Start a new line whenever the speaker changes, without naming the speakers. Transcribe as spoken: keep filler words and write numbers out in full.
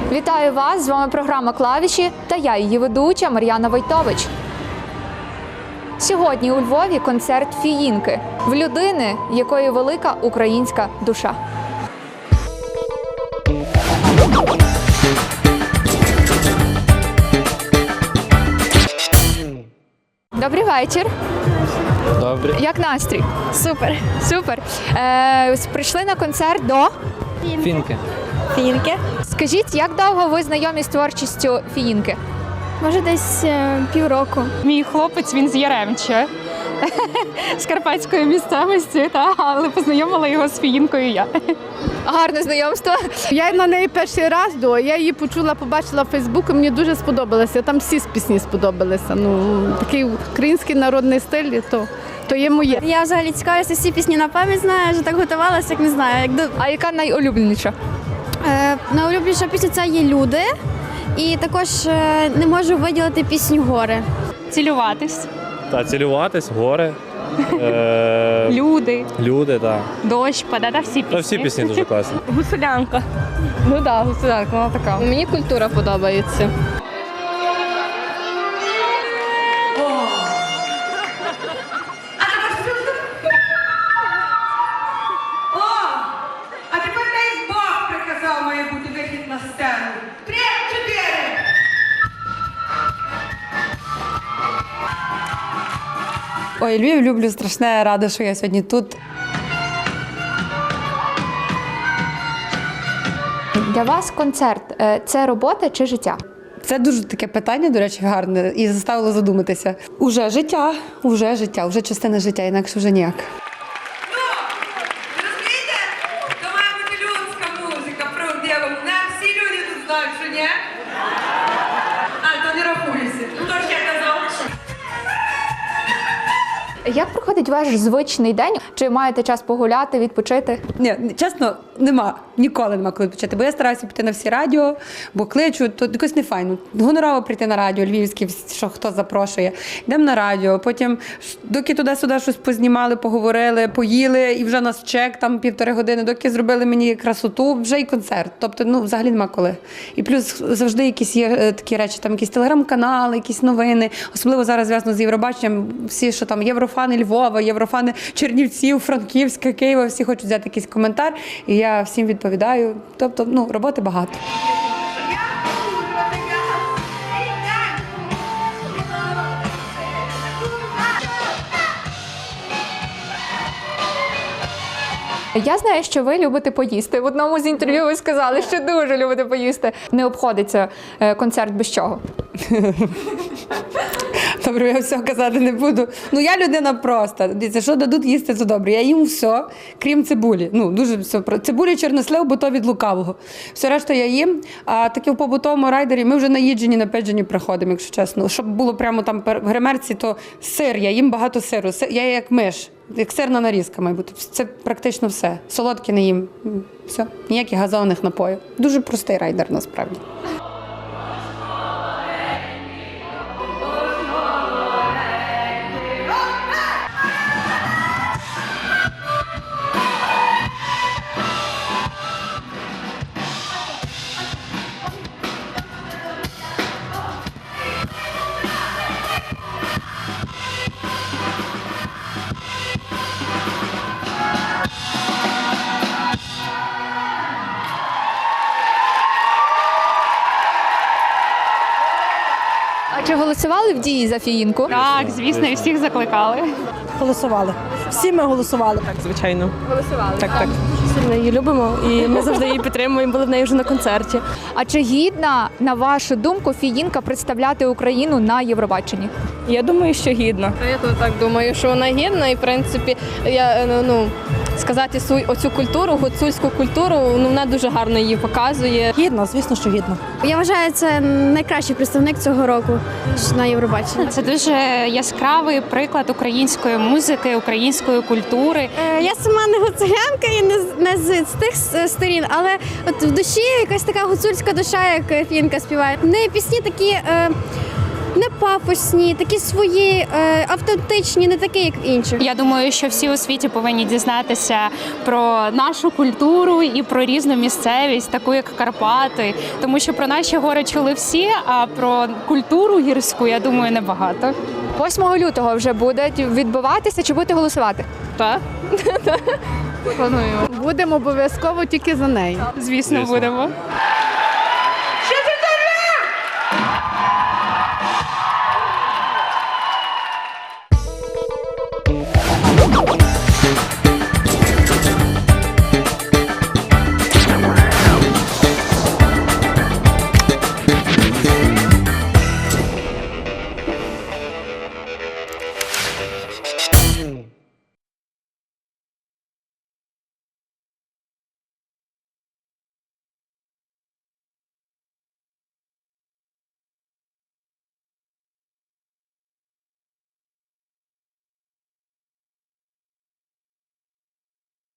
Вітаю вас! З вами програма «Клавіші» та я, її ведуча Мар'яна Войтович. Сьогодні у Львові концерт Фіїнки в людини, якої велика українська душа. Добрий вечір.
Добре.
Як настрій?
Супер.
Супер. Е, прийшли на концерт до
Фінки.
Фінки.
Скажіть, як довго ви знайомі з творчістю Фіїнки?
Може, десь е, півроку.
Мій хлопець, він з Яремча, з карпатської місцевості, та, але познайомила його з Фіїнкою я.
Гарне знайомство.
Я на неї перший раз до, я її почула, побачила в Фейсбуку, мені дуже сподобалося. Там всі пісні сподобалися. Ну, такий український народний стиль, то, то є моє.
Я взагалі цікавлюся, всі пісні на пам'ять знаю, вже так готувалася, як не знаю. Як до...
А яка найулюбленіша?
е, найулюбленіша пісня це є «Люди». І також е, не можу виділити пісню «Гори».
Цілюватись,
Та цілюватись, гори, е-
люди,
люди, так.
дощ, паде, та всі
Та
пісні.
всі пісні дуже класні.
Гуцулянка.
Ну так, гусарка, вона така. Мені культура подобається.
А тепер дай Бог приказав має бути вихід на сцену. Три, чотири.
Ой, Львів люблю страшне, рада, що я сьогодні тут.
Для вас концерт – це робота чи життя?
Це дуже таке питання, до речі, гарне, і заставило задуматися. Уже життя, уже життя, вже частина життя, інакше вже ніяк.
Ну, розумієте? То має бути людська музика, правдива. Не всі люди тут знають, що ні? А, то не рахується. Ну, то ж я казав.
Як проходить ваш звичний день? Чи маєте час погуляти, відпочити?
Ні, чесно, нема, ніколи нема коли почати, бо я стараюся піти на всі радіо, бо кличу, то якось не файно. Гонорово прийти на радіо, львівське, що хто запрошує. Йдемо на радіо, потім, доки туди-сюди щось познімали, поговорили, поїли, і вже нас чек, там півтори години, доки зробили мені красоту, вже й концерт. Тобто, ну, взагалі нема коли. І плюс завжди якісь є е, такі речі, там якісь телеграм-канали, якісь новини, особливо зараз зв'язано з Євробаченням, всі, що там, єврофани Львова, єврофани Чернівців, Франківська, Києва, всі хочуть взяти якийсь коментар, і я всім відповідаю. Тобто, ну, роботи багато.
Я знаю, що ви любите поїсти. В одному з інтерв'ю ви сказали, що дуже любите поїсти. Не обходиться е, концерт без чого.
Добре, я все казати не буду. Ну, я людина проста. Дивіться, що дадуть їсти, це добре. Я їм все, крім цибулі. Ну, дуже все. Цибулі, чорнослив, бо то від лукавого. Все решта я їм. А таке в побутовому райдері ми вже наїджені, напеджені приходимо, якщо чесно. Щоб було прямо там в гримерці, то сир. Я їм багато сиру. Я як миш. Як сирна нарізка, має бути. Це практично все. Солодке не їм. Все. Ніяких газованих напоїв. Дуже простий райдер, насправді.
А чи голосували в дії за Фіїнку?
Так, звісно, і всіх закликали.
Голосували. Всі ми голосували.
Так, звичайно.
Голосували.
Так, так.
Сильно її любимо і ми завжди її підтримуємо. Були в неї вже на концерті.
А чи гідна, на вашу думку, Фіїнка представляти Україну на Євробаченні?
Я думаю, що гідно.
Я то так думаю, що вона гідна, і в принципі, я ну сказати свою оцю культуру, гуцульську культуру, ну вона дуже гарно її показує.
Гідно, звісно, що гідно.
Я вважаю, це найкращий представник цього року на Євробаченні.
Це дуже яскравий приклад української музики, української культури.
Е, Я сама не гуцулянка і не, з- не з, з тих с- сторін, але от в душі якась така гуцульська душа, як Фінка співає. В неї пісні такі. Е, не пафосні, такі свої, е, автентичні, не такі, як інших.
Я думаю, що всі у світі повинні дізнатися про нашу культуру і про різну місцевість, таку як Карпати, тому що про наші гори чули всі, а про культуру гірську, я думаю, небагато.
восьмого лютого вже буде відбуватися, чи будете голосувати?
Так,
Будемо обов'язково тільки за неї.
звісно,
Звісно.
будемо.